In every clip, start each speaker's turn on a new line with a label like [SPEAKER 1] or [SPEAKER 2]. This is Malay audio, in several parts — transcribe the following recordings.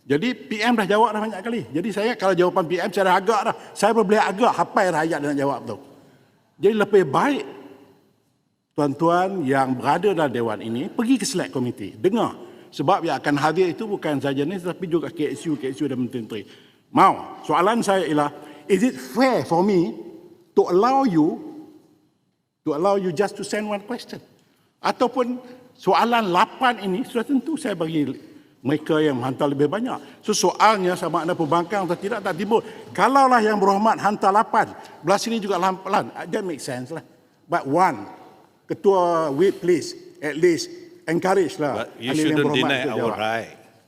[SPEAKER 1] Jadi PM dah jawab dah banyak kali. Jadi saya kalau jawapan PM saya dah agak dah. Saya boleh agak hafal rakyat nak jawab tu. Jadi lebih baik tuan-tuan yang berada dalam Dewan ini pergi ke select committee. Dengar. Sebab yang akan hadir itu bukan saja ni tetapi juga KSU dan menteri-menteri. Mau. Soalan saya ialah, is it fair for me to allow you just to send one question? Ataupun soalan 8 ini sudah tentu saya bagi mereka yang menghantar lebih banyak. So soalnya sama ada pembangkang atau tidak tak timbul. Kalaulah yang berhormat hantar 8, belah sini juga lampan, that make sense lah. But one, Ketua Whip please, at least encourage lah.
[SPEAKER 2] But you shouldn't deny our right.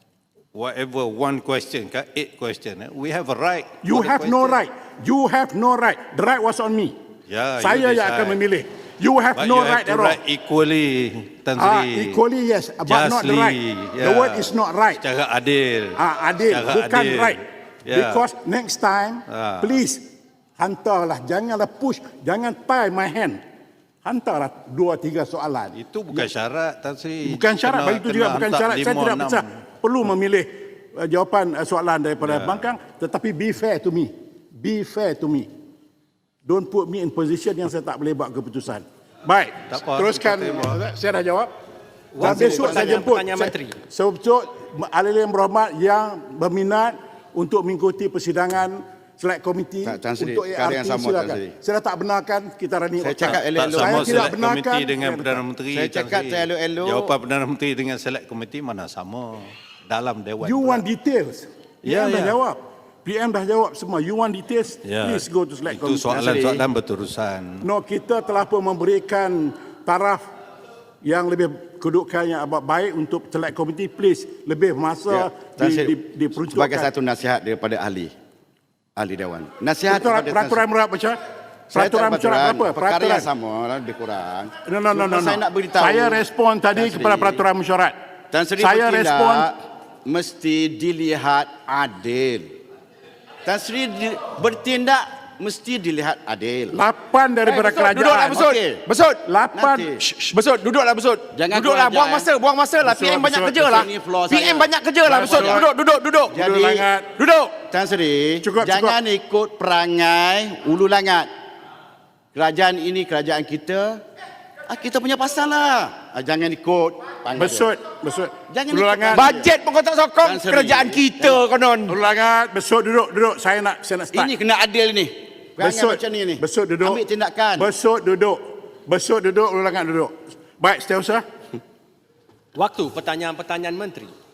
[SPEAKER 2] Whatever one question, 8 question, we have a right.
[SPEAKER 1] You have no right. You have no right. The right was on me.
[SPEAKER 2] Yeah,
[SPEAKER 1] saya yang akan memilih. You have no right at all.
[SPEAKER 2] Equally, Tan Sri.
[SPEAKER 1] Equally yes, but not the right. The word is not right.
[SPEAKER 2] Secara adil.
[SPEAKER 1] Adil, bukan
[SPEAKER 2] adil.
[SPEAKER 1] right.
[SPEAKER 2] Yeah.
[SPEAKER 1] Because next time, please hantarlah, janganlah push, jangan tie my hand. Hantarlah 2-3 soalan.
[SPEAKER 2] Itu bukan syarat, Tan Sri.
[SPEAKER 1] Bukan syarat, bagi itu juga bukan syarat. Saya tidak bisa perlu memilih jawapan soalan daripada bangkang, tetapi be fair to me. Be fair to me. Don't put me in position yang saya tak boleh buat keputusan. Baik, teruskan. Saya dah jawab. Dan besok saya jemput sebesok ahli yang berhormat yang berminat untuk mengikuti persidangan select komiti untuk ART, silakan. Saya dah tak benarkan kita running.
[SPEAKER 2] Saya cakap elok-elok. Saya tidak benarkan dengan Perdana Menteri.
[SPEAKER 3] Saya cakap elok-elok.
[SPEAKER 2] Jawapan Perdana Menteri dengan select komiti mana sama dalam Dewan.
[SPEAKER 1] You want details? PM dah jawab. PM dah jawab semua. You want details? Please go to select committee.
[SPEAKER 2] Itu soalan-soalan berterusan.
[SPEAKER 1] No, kita telah pun memberikan taraf yang lebih kedudukan yang baik untuk select committee. Please, lebih masa diperuntukkan.
[SPEAKER 3] Sebagai satu nasihat daripada ahli Dewan. Nasihat
[SPEAKER 1] peraturan berapa, Syah? Peraturan berapa?
[SPEAKER 3] Perkara yang sama, lebih kurang.
[SPEAKER 1] No.
[SPEAKER 3] Saya nak beritahu.
[SPEAKER 1] Saya respon tadi kepada peraturan mesyuarat.
[SPEAKER 3] Saya respon mesti dilihat adil. Tan Sri bertindak mesti dilihat adil.
[SPEAKER 1] 8 daripada kerajaan.
[SPEAKER 3] Duduklah besut. Besut.
[SPEAKER 1] 8.
[SPEAKER 3] Besut, duduklah besut. Duduklah, buang masa lah. PM banyak kerja lah. PM banyak kerja lah. Besut, duduk.
[SPEAKER 1] Jadi,
[SPEAKER 3] duduk. Tan Sri, jangan ikut perangai ulu langat. Kerajaan ini kerajaan kita. Kita punya pasal lah. Jangan ikut.
[SPEAKER 1] Besut.
[SPEAKER 3] Jangan ikut. Bajet pun kau tak sokong. Kerajaan kita konon.
[SPEAKER 1] Ulangat, besut duduk. Saya nak start.
[SPEAKER 3] Ini kena adil ni.
[SPEAKER 1] Besut
[SPEAKER 3] macam ni.
[SPEAKER 1] Besut duduk.
[SPEAKER 3] Ambil tindakan.
[SPEAKER 1] Besut duduk. Ulangat duduk. Baik, seterusnya.
[SPEAKER 4] Waktu pertanyaan-pertanyaan menteri.